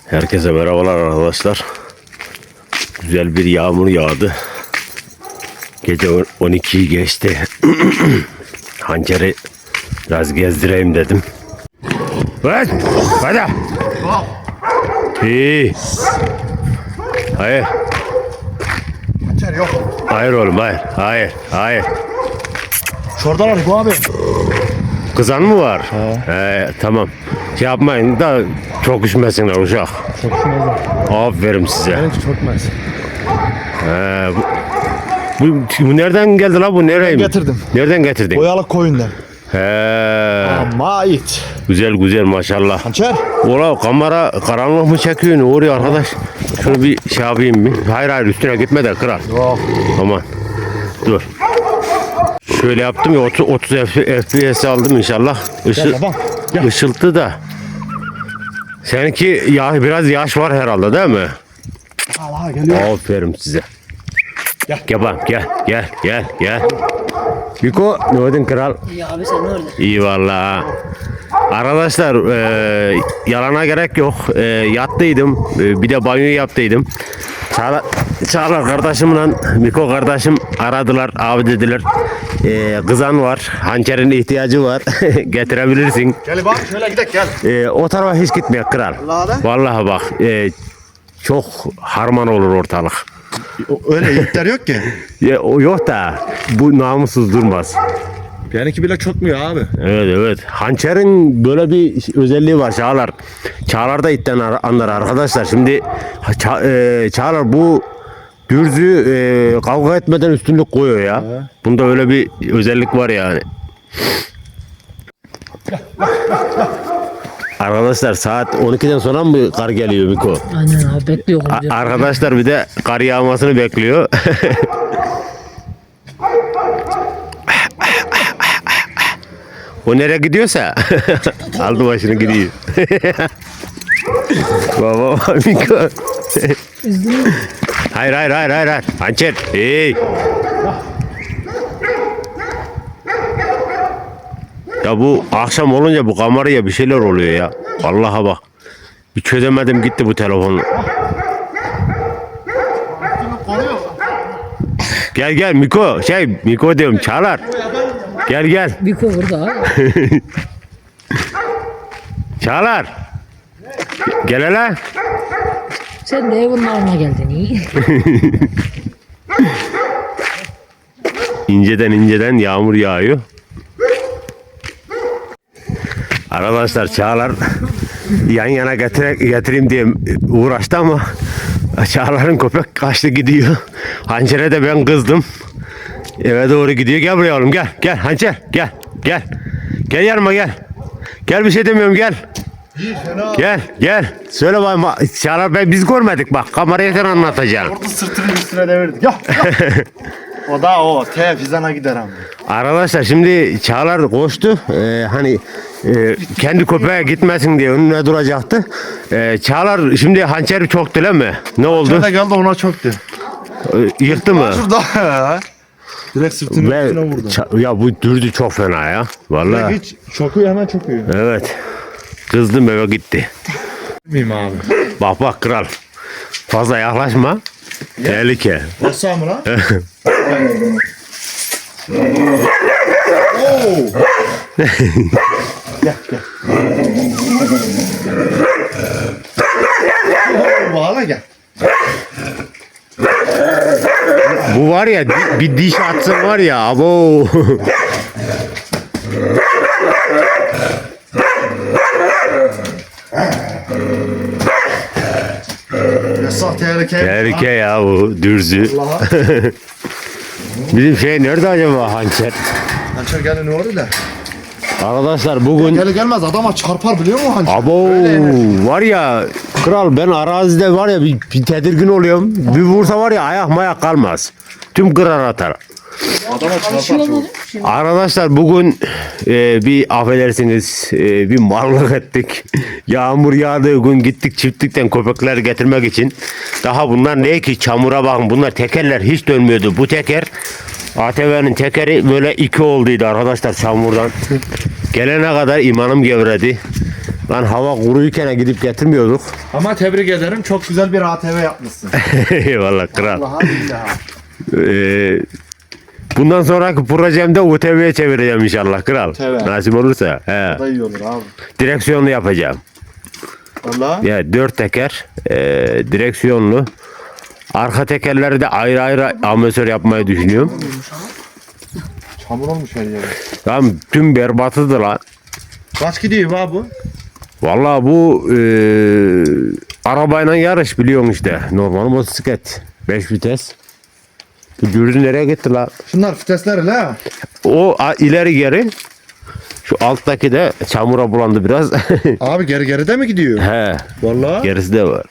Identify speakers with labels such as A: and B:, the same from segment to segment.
A: Herkese merhabalar arkadaşlar. Güzel bir yağmur yağdı. Gece 12'yi geçti. Hançeri biraz gezdireyim dedim. Hadi. İyi. Hayır.
B: Hançer yok.
A: Hayır oğlum hayır.
B: Şuradan bu abi.
A: Kızan mı var? Tamam. Şey yapmayın da çok üşümesinler uşak.
B: Çok şuna
A: Aferin size.
B: benimki çökmez.
A: Bu nereden geldi la bu? Nereye?
B: Getirdim.
A: Nereden getirdin?
B: Boyalık koyundan. Ama it.
A: Güzel maşallah.
B: Hançer.
A: Ola kamera karanlık mı çekiyor? Ne oluyor arkadaş? Şunu bir şey yapayım mı? Hayır üstüne gitme de kral.
B: Yok.
A: Aman. Dur. Şöyle yaptım ya 30 FPS aldım inşallah.
B: Gel babam. Gel.
A: Işıltı da. Seninki ya biraz yaş var herhalde değil mi?
B: Allah geliyor.
A: Aferin size.
B: Gel.
A: Gel bak gel. Miko ne oldun kral?
C: İyi abi sen ne orada?
A: İyi vallahi. Arkadaşlar yalana gerek yok. Yattıydım. Bir de banyo yaptıydım. Çağlar kardeşimle Miko kardeşim aradılar. Abi dediler. Kızan var. Hançerin ihtiyacı var. Getirebilirsin.
B: Gel bak şöyle gidelim gel.
A: O tarafa hiç gitmeye kral. Vallahi bak. Çok harman olur ortalık.
B: Öyle yiğitler yok ki.
A: O yok da bu namussuz durmaz.
B: Benimki bile çökmüyor abi.
A: Evet. Hançerin böyle bir özelliği var Çağlar. Çağlar da itten anlar arkadaşlar. Şimdi Çağlar bu dürzü kavga etmeden üstünlük koyuyor ya. Bunda öyle bir özellik var yani. Arkadaşlar saat 12'den sonra mı kar geliyor Miko?
C: Aynen abi bekliyorum.
A: Arkadaşlar bir de kar yağmasını bekliyor. O nereye gidiyorsa aldı başını gidiyor. Baba Miko. Hayır. Hançer. Hey. Ya bu akşam olunca bu kameraya bir şeyler oluyor ya. Vallahi bak. Bir çözemedim gitti bu telefonu. Gel Miko. Miko diyorum Çağlar. Gel.
C: Biko burada abi.
A: Çağlar. Gel hele.
C: Sen de evin alma geldin iyi.
A: İnceden yağmur yağıyor. Arkadaşlar Çağlar yan yana getireyim diye uğraştı ama Çağlar'ın köpek kaçtı gidiyor. Hançer'e de ben kızdım. Eve doğru gidiyor. Gel buraya oğlum gel Hançer gel. Gel yanıma gel. Gel bir şey demiyorum gel. Gel. Söyle bakayım Çağlar biz görmedik bak kameraya sen anlatacaksın.
B: Orada sırtını üstüne devirdik. Ya. O da o. Fizana gider abi.
A: Arkadaşlar şimdi Çağlar koştu. Kendi köpeğe gitmesin diye önüne duracaktı. Çağlar şimdi hançeri çok değil mi? Ne oldu?
B: Şurada geldi ona çöktü.
A: Yıktı mı?
B: Şurada. Direkt sırtını üstüne vurdu.
A: Ya bu dürdü çok fena ya. Vallahi.
B: Hiç çöküyor hemen çöküyor.
A: Evet. Kızdım eve gitti.
B: Miyim abi?
A: Bak kral. Fazla yaklaşma. Tehlike.
B: Nasıl mı lan? Oo. Gel. Bağla gel.
A: Bu var ya bir diş atsın var ya abo.
B: Yasak tehlike.
A: Tehlike ya bu dürzü.
B: Allah'a.
A: Bizim şey nerede acaba hançer?
B: Hançer geldi ne oldu da?
A: Arkadaşlar bugün
B: Gelir gelmez adama çarpar biliyor musun hançer?
A: abo var ya kral ben arazide var ya bir tedirgin oluyorum. Bir vursa var ya ayak mayak kalmaz. Tüm kırar atar.
B: Adama çarpar.
A: Arkadaşlar bugün bir affedersiniz bir mallık ettik. Yağmur yağdığı gün gittik çiftlikten köpekler getirmek için. Daha bunlar ne ki çamura bakın bunlar tekerler hiç dönmüyordu. Bu teker ATV'nin tekeri böyle iki olduydu arkadaşlar çamurdan. Gelene kadar imanım gevredi. Lan hava kuruyken gidip getirmiyorduk.
B: Ama tebrik ederim. Çok güzel bir ATV yapmışsın.
A: Eyvallah kral.
B: Allah'a billahi.
A: Bundan sonraki projemde UTV'ye çevireceğim inşallah kral.
B: UTV.
A: Nasip olursa. He.
B: Da iyi olur abi.
A: Direksiyonlu yapacağım.
B: Vallahi.
A: Ya 4 teker direksiyonlu. Arka tekerleri de ayrı ayrı amortisör yapmayı düşünüyorum.
B: Çamur olmuş her yere.
A: Tamam tüm berbatıdır lan.
B: Kaç gidiyor abi bu?
A: Vallahi bu arabayla yarış biliyorsun işte. Normal motosiklet. 5 vites. Bu dürzü nereye gitti la?
B: Şunlar vitesler la.
A: O ileri geri. Şu alttaki de çamura bulandı biraz.
B: Abi geride mi gidiyor?
A: He.
B: Vallahi.
A: Gerisi de var.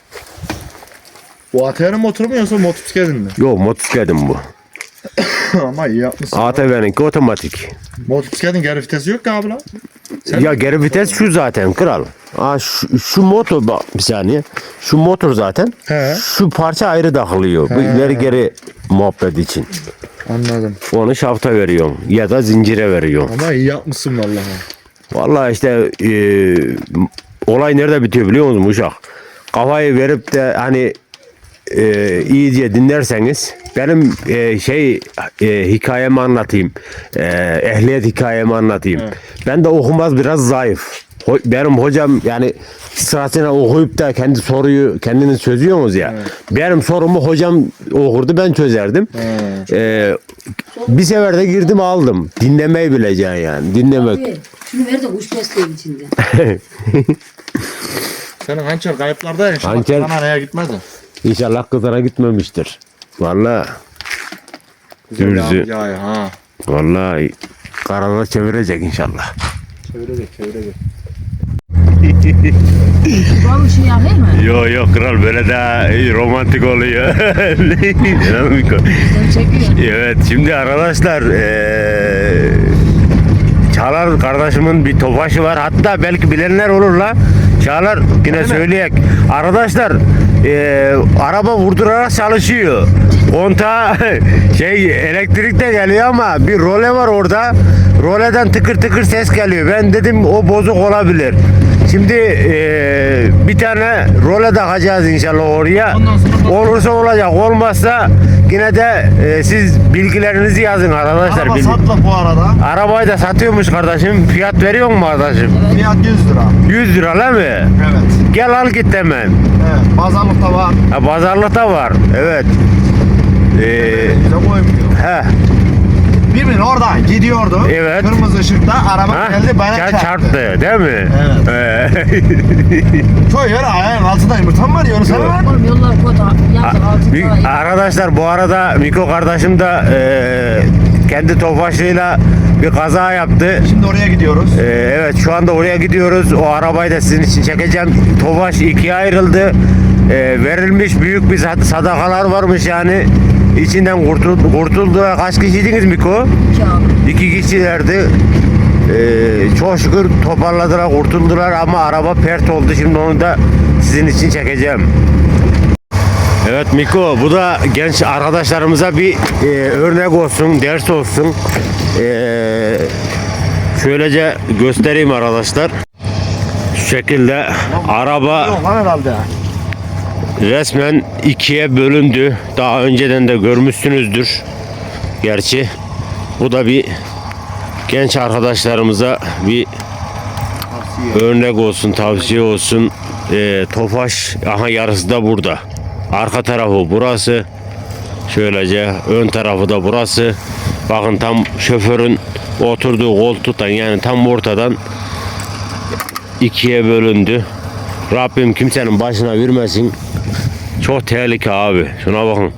B: Bu ATV'nin motoru mu yoksa motosikletin mi?
A: Yok motosikletim bu.
B: Ama iyi yapmışsın.
A: ATV'ninki otomatik.
B: Motosikletin geri vitesi yok ki abi lan. Sen
A: Ya geri vites şu zaten kral. Şu motor bak bir saniye. Şu motor zaten.
B: He.
A: Şu parça ayrı takılıyor. Bu ileri geri muhabbet için.
B: Anladım.
A: Onu şafta veriyorum ya da zincire veriyorum.
B: Ama iyi yapmışsın vallahi.
A: Vallahi işte olay nerede bitiyor biliyor musun uşak? Kafayı verip de hani iyice dinlerseniz benim hikayemi anlatayım. Ehliyet hikayemi anlatayım.
B: Evet.
A: Ben de okumaz biraz zayıf. Benim hocam yani sırasıyla okuyup da kendi soruyu kendiniz çözüyorsunuz ya.
B: Evet.
A: Benim sorumu hocam okurdu ben çözerdim. Bir sefer de girdim aldım. Dinlemeyi bileceksin yani. Dinlemek.
C: Abi, şunu ver de kuş besleyin içinde.
B: Senin hançer kayıplarda ya.
A: Hançer-
B: Hançer. Neye gitmedi?
A: İnşallah kızlara gitmemiştir. Vallahi dürzü.
B: Ya ha.
A: Vallahi kararlar çevirecek inşallah.
B: Çevirecek.
C: Var bir şey yapayım mı?
A: Yok yok kral böyle daha romantik oluyor.
C: Sen çekiyorsun.
A: Evet şimdi arkadaşlar Çağlar kardeşimin bir tofaşı var. Hatta belki bilenler olur la. Çağlar yine söyleyek. Arkadaşlar araba vurdurarak çalışıyor. Kontağı elektrik de geliyor ama bir role var orada. Roleden tıkır tıkır ses geliyor. Ben dedim o bozuk olabilir. Şimdi bir tane role takacağız inşallah oraya. Olursa olacak. Olmazsa yine de siz bilgilerinizi yazın arkadaşlar.
B: Araba satla bu arada.
A: Arabayı da satıyormuş kardeşim. Fiyat veriyor mu kardeşim?
B: Fiyat 100 lira.
A: 100 lira değil mi?
B: Evet.
A: Gel al git hemen.
B: Evet. Pazarlıkta var.
A: Ha, pazarlıkta var. Evet.
B: Bize koymuyor.
A: He.
B: Birbirini orada gidiyordu.
A: Evet.
B: Kırmızı ışıkta araba
A: Ha?
B: geldi bana çarptı.
A: Değil mi?
B: Evet. Çoğu yer ayağın altında yumurtam var ya onu sana var.
C: Oğlum yollar kötü. Yazık altında.
A: Arkadaşlar bu arada Miko kardeşim de kendi tofaşıyla bir kaza yaptı.
B: Şimdi oraya gidiyoruz.
A: Evet şu anda oraya gidiyoruz. O arabayı da sizin için çekeceğim. Tofaş ikiye ayrıldı. Verilmiş büyük bir sadakalar varmış yani. İçinden kurtuldu. Kaç kişiydiniz Miko?
C: İki abi.
A: 2 kişilerdi. Çok şükür toparladılar, kurtuldular ama araba pert oldu. Şimdi onu da sizin için çekeceğim. Evet Miko, bu da genç arkadaşlarımıza bir örnek olsun, ders olsun. Şöylece göstereyim arkadaşlar. Şu şekilde araba
B: Yok lan herhalde.
A: resmen ikiye bölündü. Daha önceden de görmüşsünüzdür. Gerçi bu da bir genç arkadaşlarımıza bir örnek olsun, tavsiye olsun. Tofaş, aha yarısı da burada. Arka tarafı burası. Şöylece ön tarafı da burası. Bakın tam şoförün oturduğu koltuktan yani tam ortadan ikiye bölündü. Rabbim kimsenin başına vermesin. Çok tehlike abi. Şuna bakın.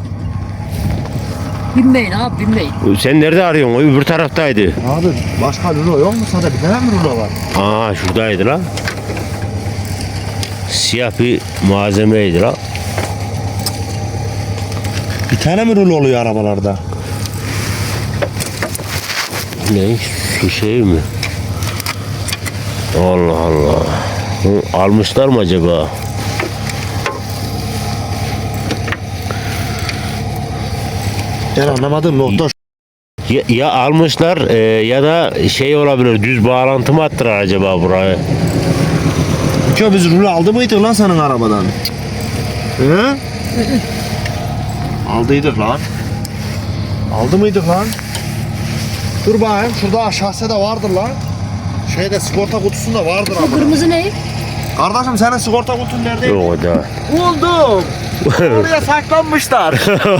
C: Binmeyin abi binmeyin.
A: Sen nerede arıyorsun? O öbür taraftaydı.
B: Abi başka rulo yok mu sana? Bir tane mi rulo var?
A: Aa şuradaydı la. Siyah bir malzemeydi la.
B: Bir tane mi rulo oluyor arabalarda?
A: Ne? Şu şey mi? Allah Allah. Almışlar mı acaba?
B: Ben anlamadım nokta.
A: Ya almışlar ya da şey olabilir, düz bağlantı mı attılar acaba buraya?
B: Miko biz rul aldı mıydık lan senin arabadan? He? Aldıydık lan. Aldı mıydık lan? Dur bakayım şurada aşağıda da vardır lan. Şeyde sigorta kutusunda vardır
C: Bu
B: ama.
C: kırmızı ne?
B: Kardeşim senin sigorta kutun nerede?
A: Yok o da.
B: Buldum. Oraya saklanmışlar.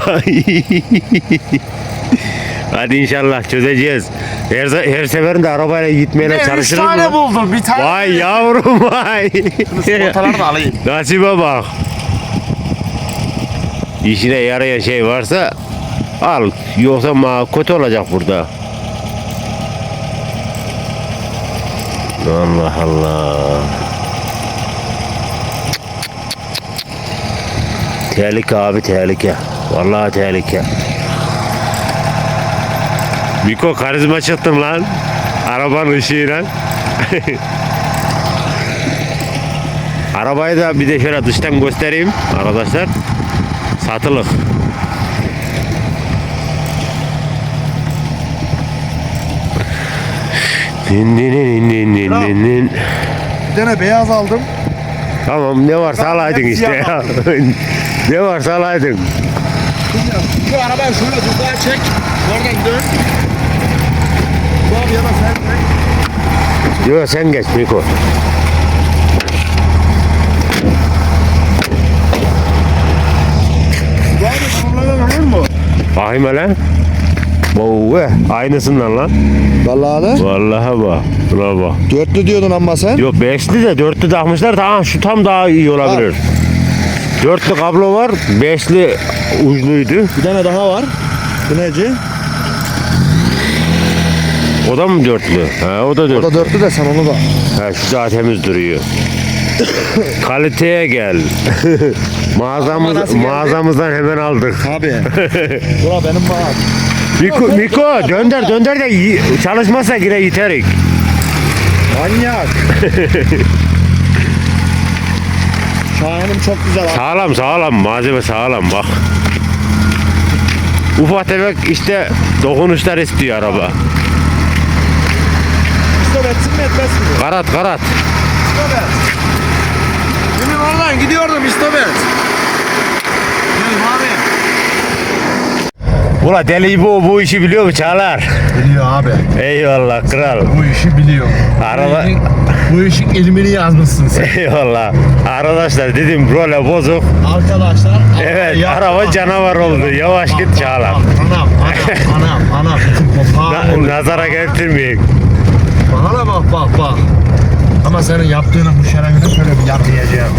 A: Hadi inşallah çözeceğiz. Her seferinde arabayla gitmeye
B: Üç
A: çalışırız
B: tane
A: mı?
B: buldum. Bir tane.
A: Vay yavrum vay.
B: Sigortaları da alayım.
A: Nasibe bak. İşine yarayan şey varsa al. Yoksa kötü olacak burada. Allah Allah. Tehlike abi tehlike. Vallahi tehlike. Miko karizma çıktın lan. Arabanın ışığıyla. Arabayı da bir de şöyle dıştan göstereyim arkadaşlar. Satılık. Din din din din din din din.
B: Bir tane beyaz aldım.
A: Tamam ne varsa alaydın işte ya. Ne varsa alaydın.
B: Şu arabayı şöyle tuzağa çek. Oradan dön. Abi ya da sen çek.
A: Yok sen geç Miko.
B: Bu abi bunlardan alır mı?
A: Bakayım hele. Vay aynısından lan.
B: Vallahi de.
A: Vallahi bak. Buna bak.
B: Dörtlü diyordun ama sen.
A: Yok beşli de dörtlü takmışlar. Tamam şu tam daha iyi olabilir. Dörtlü kablo var. Beşli uçluydu.
B: Bir tane daha var. Bu neci?
A: O da mı dörtlü? Ha, o da
B: O
A: dörtlü.
B: da dörtlü de sen onu da.
A: Ha, şu daha temiz duruyor. Kaliteye gel. Mağazamızdan hemen aldık.
B: Abi. Bura benim bağım.
A: Miko dönder de çalışmazsa yine yiterik.
B: Manyak. Şahin'im çok güzel abi.
A: Sağlam malzeme sağlam bak. Ufak tefek işte dokunuşlar istiyor araba.
B: Stop etsin mi etmez mi?
A: Karat.
B: Stop et. Benim oradan gidiyordum stop et. Gel abi.
A: Ula deli bu işi biliyor mu Çağlar?
B: Biliyor abi.
A: Eyvallah kral.
B: Bu işi biliyor.
A: Araba...
B: Bu işin ilmini yazmışsın sen.
A: Eyvallah. Arkadaşlar dedim role bozuk.
B: Arkadaşlar.
A: Evet araba canavar oldu. Yavaş git Çağlar.
B: Anam.
A: Nazara getirmeyin.
B: Bana bak. Ama senin yaptığının bu şerefini şöyle bir yapmayacağım.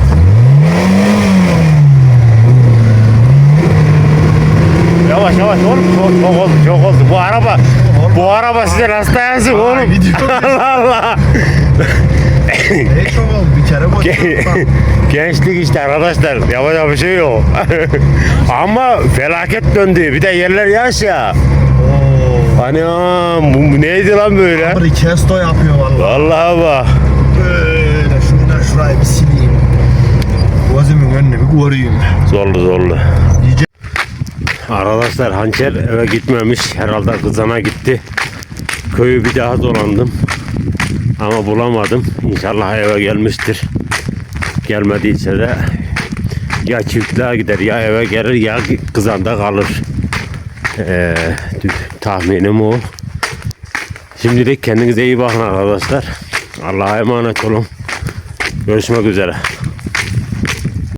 A: Yavaş oğlum çok oldu. Bu araba size nasıl dayansın oğlum? Allah.
B: Ne çok oldu bir kere bu.
A: Gençlik işte arkadaşlar. Yapacak bir şey yok. Ama felaket döndü. Bir de yerler yaş ya. Hani bu neydi lan böyle?
B: Abi kesto yapıyor vallahi.
A: Vallahi bak.
B: Böyle şuradan şurayı bir sileyim. Gözümün önüne bir koruyayım.
A: Zorlu. Arkadaşlar hançer eve gitmemiş. Herhalde kızana gitti. Köyü bir daha dolandım. Ama bulamadım. İnşallah eve gelmiştir. Gelmediyse de ya çiftliğe gider ya eve gelir ya kızanda kalır. Tahminim o. Şimdilik kendinize iyi bakın arkadaşlar. Allah'a emanet olun. Görüşmek üzere.